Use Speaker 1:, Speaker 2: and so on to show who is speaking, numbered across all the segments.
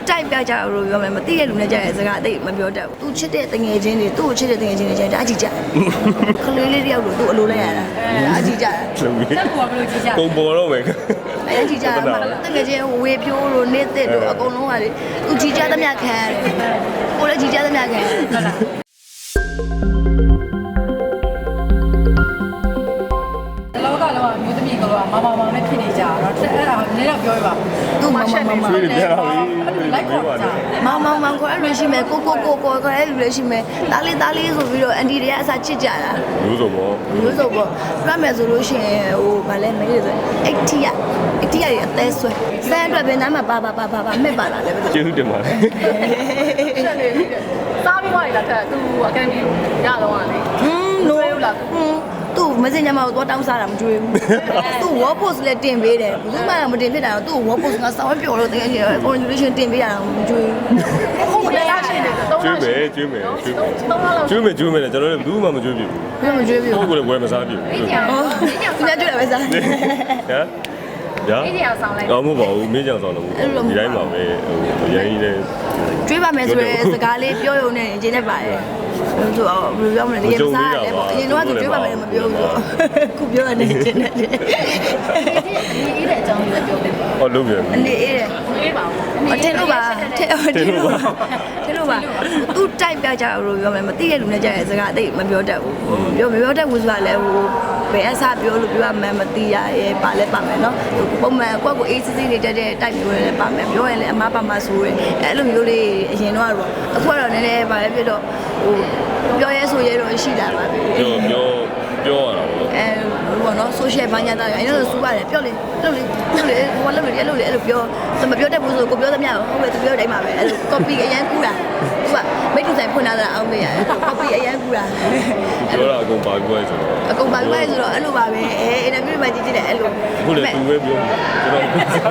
Speaker 1: တိုက်ပြကြလို့ပြောမယ်မသိတဲ့လူနဲ့ကြတဲ့စကားအသိမပြောတတ်ဘူးသူချစ်တဲ့တငယ်ချင်းတွေသူ့ကိုချစ်တဲ့တငယ်ချင်းတွေကျရင်တအားကြည့်ကြခလေးလေးတယောက်ကိုသူ့အလိုလိုက်ရတာအားကြည့်ကြတာ
Speaker 2: တက်ပေါ်ဘလို့ကြည့်ကြပုံပေါ်တော့မယ်
Speaker 1: အားကြည့်ကြတာတကယ်ချင်းဝေဖြိုးလို့နေသစ်လို့အကုန်လုံးကလေသူကြည့်ကြသမျှခံရတယ်ကိုလည်းကြည့်ကြသမျှခံရတယ်ဟုတ်လား
Speaker 2: မျိုးသမီးကတော့မမနဲ့ဖြစ်နေကြတော့အဲ့ဒါလည်းတော့ပြောရပါ
Speaker 1: သူမ
Speaker 2: လည်းလိုက်ခေါ်ကြ
Speaker 1: မောင်ခေါ်အဲ့လိုရှိမယ်ကိုအဲ့လိုလည်းရှိမယ်တားလေးဆိုပြီးတော့အန်တီတွေကအစားချစ်ကြတာ
Speaker 3: မျိုးစုံပေါ့
Speaker 1: ပြမယ်ဆိုလို့ရှိရင်ဟိုဗာလဲမင်းတွေဆို80ရတွေအသေးဆွဲစမ်းအတွက်ပဲနားမှာပါမဲ့ပါလာလဲပဲ
Speaker 3: ကျေးဇူးတင်ပါတယ်
Speaker 2: စားပြီးသွားပြီလားတဲ့သူအကန်ဒီရတော့ဟာလေ
Speaker 1: နိုးလားသူ့မစင်ညမကိုတော့တောင်းစားတာမကြွေးဘူးသူ့ wall post လည်းတင်ပေးတယ်ဘူးမှမတင်ဖြစ်တာတော့သူ့ wall post ကစောင်းပျော်လို့တကယ် congratulation တင်ပေးရတာမကြွေးဘူး
Speaker 2: ဟုတ်တယ်လားရှင်
Speaker 3: ကျွေးမယ်လေကျွန်တော်လည်းဘူးမှမကျွေးပြဘူး
Speaker 1: မကြွေးဘူး
Speaker 3: ကိုယ်ကလည်းဝယ်မစားပြဘူး
Speaker 2: အေးကြောင်
Speaker 1: သူများကြွေးတယ်ပဲစား
Speaker 3: ဟမ်
Speaker 2: အေးကြောင်ဆောင်လိုက်
Speaker 3: တော့မဟုတ်ပါဘူးမင်းကြောင်ဆောင်တော့ဒီတိုင်းပါပဲဟိုရိုင်းနေ
Speaker 1: ကြွေးပါမယ်ဆိုရဲစကားလေးပြောရုံနဲ့အကျဉ်းနဲ့ပါတယ်ဆိုတော့ဘယ်လိုပြောမလဲဒီရစားတယ်ပေါ့အရင်တော့သူကြွေးပါမယ်မပြောဘူးခုပြောရတဲ့အကျဉ်းနဲ့
Speaker 2: အေးတဲ့အကြောင်းလေးပြောပြပါ
Speaker 3: ဟောလုံးပြန်
Speaker 1: အေးတယ်
Speaker 2: အေးပါ
Speaker 1: ဘူးအထင်လို့ပါထင်လို့ပါသူတိုက်ပြကြလို့ပြောမယ်မသိတဲ့လူနဲ့ကြတဲ့စကားအသိမပြောတတ်ဘူးပြောမပြောတတ်ဘူးဆိုတာလည်းဟိုဘယ်အစားပြောလို့ပြောရမှန်းမသိရရဲ့ပါလဲပါမယ်နော်ပုံမှန်ကိုယ့်ကိုအေးစစ်စစ်နေတတ်တဲ့တိုက်မျိုးလည်းပါမယ်ပြောရင်လည်းအမားပါမဆိုးတယ်အဲ့လိုမျိုးလေးအရင်တော့အခုကတော့နည်းနည်းပါလဲပြတော့ဟိုပြောရဲဆိုရဲတော့ရှိလာပါပြီ
Speaker 3: ပြောရတာပေါ့
Speaker 1: ဘောနော် social ဘာညာတာအဲ့လိုစူးပါတယ်ပြောလေလှုပ်လေဟိုလှုပ်လေအဲ့လိုပြောမပြောတတ်ဘူးဆိုကိုပြောသမျှဟုတ်ပဲသူပြောတိုင်းမှာပဲအဲ့လို copy အရန်ကူးတာသူကမိတ်တူဆိုင်ဖွင့်လာတာအောင်မေးရတယ် copy အရန်ကူးတာ
Speaker 3: ပြောတာအကုန်ပါပြီးသွားဆိုတော့
Speaker 1: အကုန်ပါပြီးသွားဆိုတော့အဲ့လိုပါပဲအင်တာဗျူးမှာကြည့်တယ်အဲ့လို
Speaker 3: ခုလေသူပဲပြောကျွန်တော်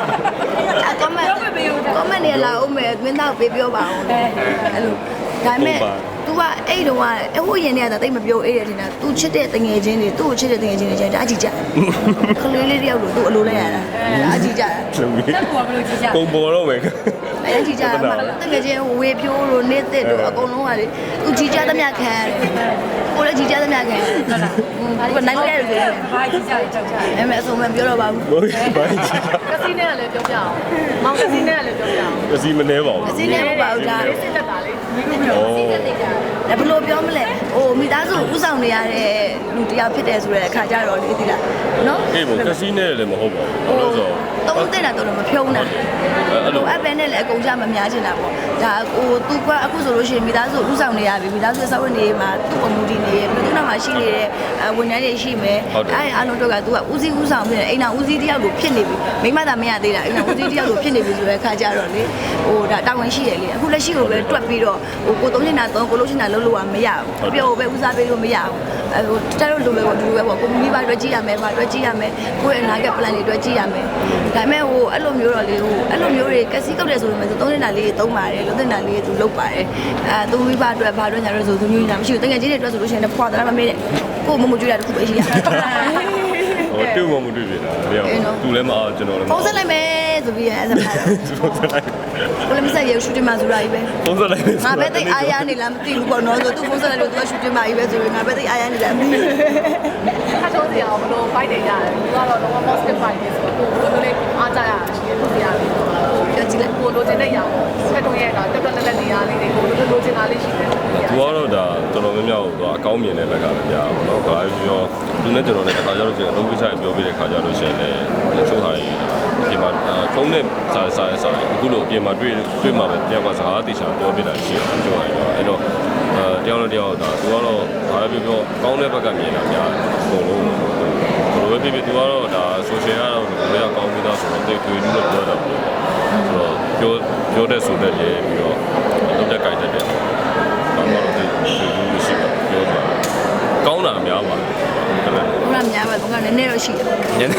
Speaker 1: comment တွေလာအောင်မယ်မင်းသားပေးပြောပါအောင်အဲ့လိုဒါပေမဲ့तू ကအဲ့တုန်းကဟိုရင်တွေကတိတ်မပြောအေးတယ်ထင်တာ तू ချစ်တဲ့တငယ်ချင်းတွေသူ့ကိုချစ်တဲ့တငယ်ချင်းတွေကျရင်တအားကြည့်ကြခလေးလေးတယောက်ကိုသူ့အလိုလိုက်ရတာအားကြည့်ကြတာ
Speaker 2: တက်ပေါ်ဘလို့ကြည့်ကြ
Speaker 3: ပုံပေါ်တော့မယ်
Speaker 1: အဲ့ကြည့်ကြတာတကယ်ချင်းဝေဖြိုးလို့နေသစ်လို့အကုန်လုံးကလေ तू ကြည့်ကြသမျှခံရတယ်ကိုလည်းကြည့်ကြသမျှခံရတယ်ဟုတ်လားဘာနိုင်လဲလို့ပြော
Speaker 2: ဘာကြည့်ကြကြောက်ကြ
Speaker 1: အဲ့မဲ့အစုံမပြောတော့ပါဘူး
Speaker 3: ဘာကြည့်
Speaker 2: ကစီနဲ့လည်းပြောပြအောင်မောင်ကစီနဲ့လည်းပြောပြအောင်
Speaker 3: ကစီမနေပါဘူး
Speaker 1: ကစီနဲ့မပါဘူးလား
Speaker 2: စစ်တက်တာလေမင်းတို့စစ်တက်နေတာ
Speaker 1: ဘယ်လိုပြောမလဲဟိုမိသားစုဥဆောင်နေရတဲ့လူတယောက်ဖြစ်တယ်ဆိုတဲ့အခါကျတော့လေသိလားနော်
Speaker 3: အေးဘကစီနဲ့လည်းမဟုတ်ပါဘူးလို့ဆို
Speaker 1: တော့တဲ့တာတော့မဖြုံးတာအဲ့လိုအပဲနဲ့လည်းအကုန်ကြမများချင်တာပေါ့ဒါဟိုသူကအခုဆိုလို့ရှိရင်မိသားစုဥဆောင်နေရပြီမိသားစုစောင့်နေမှာသူ့အမှုဒီနေပြီသူ့နောက်မှာရှိနေတဲ့ဝန်ထမ်းတွေရှိမယ်အဲ့အားလုံးတော့ကသူကဦးစီးဦးဆောင်ဖြစ်နေအိမ်တော်ဦးစီးတယောက်ကိုဖြစ်နေပြီမိမသာမရသေးတာအိမ်တော်ဦးစီးတယောက်ကိုဖြစ်နေပြီဆိုတဲ့အခါကျတော့လေဟိုဒါတာဝန်ရှိတယ်လေအခုလက်ရှိကိုပဲတွက်ပြီးတော့ဟိုကိုသုံးနေတာသုံးကိုလို့ရှိနေတာလုံးလို့ကမရဘူးပြောပဲဦးစားပေးလို့မရဘူးဟိုတက်လို့လိုပဲပေါ့ဒီလိုပဲပေါ့ကိုမိဘတွေကြည့်ရမယ်ဗာတွေကြည့်ရမယ်ကိုယ့်ရဲ့အနာဂတ် plan တွေတွေကြည့်ရမယ်ဒါပေမဲ့ဟိုအဲ့လိုမျိုးတော့လေဟိုအဲ့လိုမျိုးတွေကစီးကောက်တယ်ဆိုပေမဲ့သုံးနေတာလေးသုံးပါတယ်လုံးနေတာလေးသူလုပ်ပါတယ်သူမိဘအတွက်ဘာအတွက်ညာလို့ဆိုသူမျိုးညာမရှိဘူးတကယ်ကြီးတွေအတွက်ဆိုလို့ရှိရင်ဖွာတာမမေးတဲ့ကိုမကြွေးတာတခုပဲရှိရ
Speaker 3: ဟိုတူမမတွေ့ပြီလားမရောက်သူလည်းမအောင်ကျွန်တော်လည်း
Speaker 1: ပုံစံလိုက်မယ်ဆိုပြီးအဲ့ဒါပုံစံလိုက်ကိုလည်းမဆက်ရရှူတင်မှာဆိုတာကြီးပဲ
Speaker 3: ပုံစံလိုက်
Speaker 1: ငါပဲတိတ်အားရနေလားမသိဘူးပေါ့နော်ဆိုသူပုံစံလိုက်လို့သူကရှူတင်မှာကြီးပဲဆိုပြီးငါပဲတိတ်အားရနေလားမသိဘူး
Speaker 2: ခါတော့စီအောင်ဘလို့ fight နေရတယ်သူကတော့တော့ positive fight နေဆိုတော့ကိုလည်းအားကြရရှိရလို့ရတယ်ပြောကြည့်လိုက်ကိုလိုချင်တဲ့ຢာကိုဆက်တော့ရဲ့ကတက်တက်လက်နေရလေးတွေကိုလိုချင်တာလေးရှိတယ်
Speaker 3: သူကတော့ဒါတော်တော်များများတော့အကောင်းမြင်တဲ့ဘက်ကလည်းကြားပါတော့ဘာပြောသူနဲ့ကျွန်တော်လည်းတစ်ခါကျတော့ကျွန်တော်လုံးဝချိုင်ပြောပြတဲ့ခါကျတော့ရှင်လည်းချိုးထားရင်ဒီမှာဖုန်းနဲ့စာအခုလိုအပြင်မှာတွေ့မှာပဲတယောက်ကစကားတေချာပြောပြတာရှိတယ်ပြောရရင်အဲ့တော့တယောက်နဲ့တယောက်ဒါသူကတော့ဘာပဲပြောကောင်းတဲ့ဘက်ကမြင်တာများအကုန်လုံးဘယ်လိုပဲဖြစ်ဖြစ်သူကတော့ဒါ social ကတော့လည်းကောင်းပြီးသားဆိုတော့တိတ်တွေ့လို့ပြောတာပေါ့ဆိုတော့ပြောတဲ့ဆိုတဲ့လေပြီးတော့လုပ်တဲ့ကြိုက်တဲ့ဘာမှတော့တွေ့လို့ရှိပါပြောတာကောင်းတာများပါတယ်
Speaker 1: ဟုတ်လားများပါဘုကနည်းနည်းတော့ရှိတယ်
Speaker 3: နည်းနည်း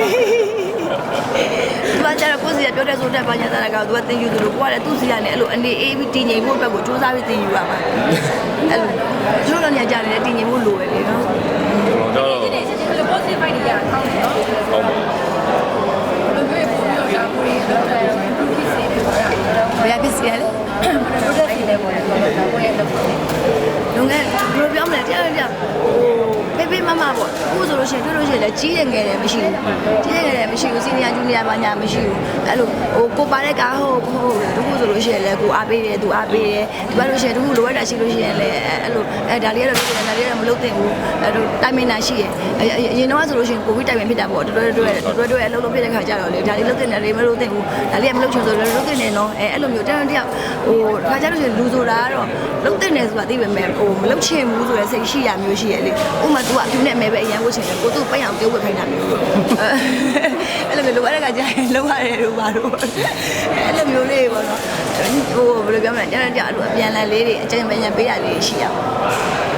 Speaker 1: သူကကျတော့ကိုယ်စီကပြောတဲ့ဆိုတဲ့ဘာညာတာကသူကတင်ယူသလိုကိုကလည်းသူ့စီကနေအဲ့လိုအနေအေးပြီးတည်ငြိမ်ဖို့အတွက်ကိုစူးစမ်းပြီးတင်ယူရမှာအဲ့လိုသူတို့လည်းညကြတယ်တည်ငြိမ်ဖို့လိုပဲလေနော်
Speaker 3: ကျွန်တော်
Speaker 2: ဒီနေ့စစ်စစ်လို့ positive fight တွေရအောင်နော်
Speaker 3: ဟုတ်ပါဘူး
Speaker 2: ဘယ်လိုမျိုးပုံမျိုးရှာဖွေတော့တယ် improve ဖြစ်စေတယ်ဆိုတာ
Speaker 1: ဘယ်ဖြစ်စီရလဲ
Speaker 2: တို့တဲ့စီလဲပေါ်တယ်ဆိုတော့ကိုယ့်ရဲ့လုပ်ကို
Speaker 1: လုံငယ်ဘယ်လိုပြောမလဲတရားတရားဟိုဖေးဖေးမမပေါ့အခုဆိုလို့ရှိရင်တွေ့လို့ရှိရင်လည်းကြီးတယ်ငယ်တယ်မရှိဘူးကြီးတယ်ငယ်တယ်မရှိဘူးစီနီယာဂျူနီယာဘာညာမရှိဘူးအဲ့လိုဟိုကိုပါတဲ့ကားဟုတ်တခုဆိုလို့ရှိရင်လည်းကိုအားပေးတယ်သူအားပေးတယ်ဒီဘက်လို့ရှိရင်တခုလိုအပ်တာရှိလို့ရှိရင်လည်းအဲ့လိုဒါလေးကတော့လုပ်တယ်ဒါလေးကတော့မလုပ်သင့်ဘူးအဲ့လိုတိုင်မင်တာရှိရအရင်တော့ဆိုလို့ရှိရင်ကိုဗစ်တိုင်မင်ဖြစ်တာပေါ့တွဲအလုပ်လုပ်ဖြစ်တဲ့ခါကျတော့လေဒါလေးလုပ်တဲ့နေတယ်မလုပ်သင့်ဘူးဒါလေးကမလုပ်ချင်ဆိုလည်းလုပ်သင့်တယ်နော်အဲ့လိုမျိုးတန်းတယောက်ဟိုခါကျလို့ရှိရင်လူဆိုတာကတော့လုပ်သင့်တယ်ဆိုတာသိပေမဲ့ဟိုမလုပ်ချင်ဘူးဆိုတဲ့စိတ်ရှိရမျိုးရှိရလေဥမာ तू ကသူနဲ့မဲပဲအရန်ဝတ်ချင်တယ်ကိုသူ့ပိတ်အောင်ပြုတ်ဝတ်ခိုင်းတာမျိုးအဲ့လိုမျိုးလိုအပ်တဲ့ခါကျရင်လုံးရတယ်လို့ပါတော့အဲ့လိုမျိုးလေးပေါ့နော်ဟိုဘယ်လိုပြောမလဲကျန်တဲ့ကြအဲ့လိုအပြန်လည်လေးတွေအကျဉ်းပညာပေးတာလေးရှိရပါ